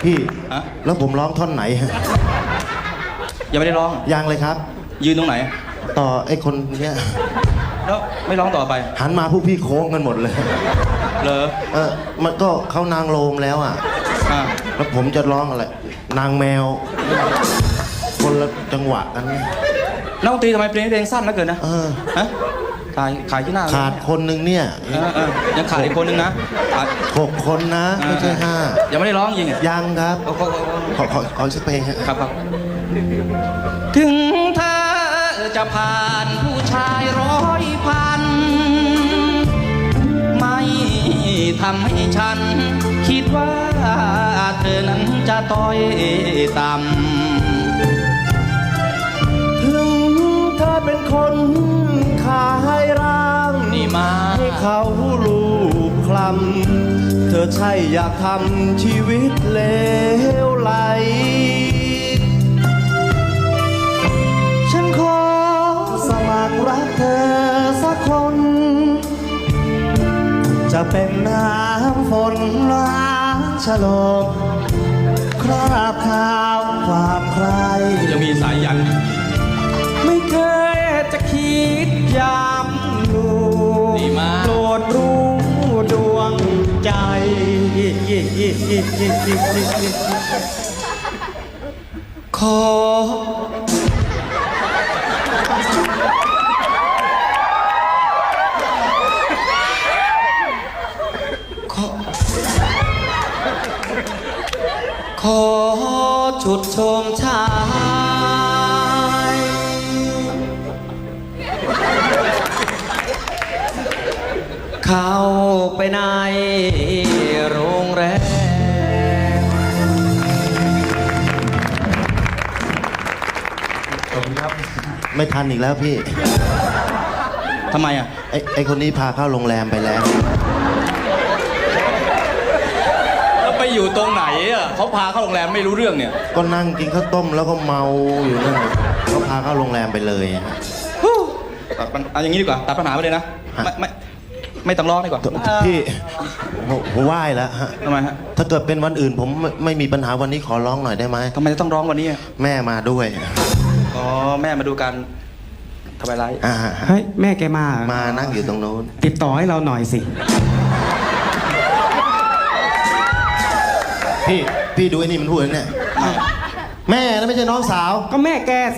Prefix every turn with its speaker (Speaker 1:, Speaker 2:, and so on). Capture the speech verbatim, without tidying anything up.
Speaker 1: พี่
Speaker 2: ฮะ
Speaker 1: แล้วผมร้องท่อนไหนฮะ
Speaker 2: ยังไม่ได้ร้อง
Speaker 1: ยังเลยครับ
Speaker 2: ยืนตรงไหน
Speaker 1: ต่อไอ้คนเนี้ย
Speaker 2: แล้วไม่ร้องต่อไป
Speaker 1: หันมาพวกพี่โค้งกันหมดเลย
Speaker 2: เหรอ
Speaker 1: เออมันก็เขานางโลมแล้วอ่ะ
Speaker 2: อ่า
Speaker 1: แล้วผมจะร้องอะไร นางแมว คนละจังหวะกัน
Speaker 2: นักดนตรีทำไมเพลงเพลงสั้นเหลือเกินนะ
Speaker 1: เออ
Speaker 2: ฮะขายขายที่หน้า
Speaker 1: ขาดคนหนึ่งเนี่ย
Speaker 2: เออเออยังขาดอีกคนนึงนะขาด
Speaker 1: หกคนนะ ไม่ใช่ห้า
Speaker 2: ยังไม่ได้ร้องยิงอ่ะ
Speaker 1: ยังครับ
Speaker 2: โอ้โห
Speaker 1: ขอขอขอสักเพลงฮะ
Speaker 2: ครับครับถึงเธอจะผ่านผู้ชายร้อยพันไม่ทำให้ฉัน คิดว่าเธอนั้นจะต้อยต่ำ
Speaker 1: ถึงเธอเป็นคนขายร่าง
Speaker 2: นี่มา
Speaker 1: ให้เขาลูบคลำเธอใช่อยากทำชีวิตเลวไหล ฉันขอสมัครรักเธอสักคน จะเป็นน้ำฝนล้างฉลมคราบขาวความใคร
Speaker 2: ยังมีสายยัน
Speaker 1: ไม่เคยจะคิดยามดู
Speaker 2: ดีมาก
Speaker 1: โปรดรู้ดวงใจ ขอ ขอ ขอชุดชมชาย เข้าไปในโรงแรม
Speaker 2: ขอบคุณครับ
Speaker 1: ไม่ทันอีกแล้วพี่
Speaker 2: ทำไมอ่ะ
Speaker 1: ไอ้ไอ้คนนี้พาเข้าโรงแรมไปแล้ว
Speaker 2: แล้วไปอยู่ตรงไหนอ่ะเขาพาเข้าโรงแรมไม่รู้เรื่องเนี่ย
Speaker 1: ก็นั่งกินข้าวต้มแล้วก็เมาอยู่นั่นเขาพาเข้าโรงแรมไปเลยฮะ
Speaker 2: ตัดปัญเอาอย่างนี้ดีกว่าตัดปัญหาไปเลยนะ
Speaker 1: ฮะ
Speaker 2: ไม่ไม่ไม่ต้องร้องดีกว่า
Speaker 1: พี่ผมผมไหว้แล้วฮะ
Speaker 2: ทำไมฮะ
Speaker 1: ถ้าเกิดเป็นวันอื่นผมไม่ไม่มีปัญหาวันนี้ขอร้องหน่อยได้ไหม
Speaker 2: ทำไมจะต้องร้องวันนี้อ่ะ
Speaker 1: แม่มาด้วย
Speaker 2: อ๋อแม่มาดูกันทำไมไร
Speaker 1: อ่า
Speaker 3: เฮ้ย แม่แกมาเหรอ
Speaker 1: มานั่งอยู่ตรงโน้น
Speaker 3: ติดต่อให้เราหน่อยสิ
Speaker 1: พี่พี่ดูไอ้นี่มันพูดนะเนี่ยแม่นะไม่ใช่น้องสาว
Speaker 3: ก็แม่แก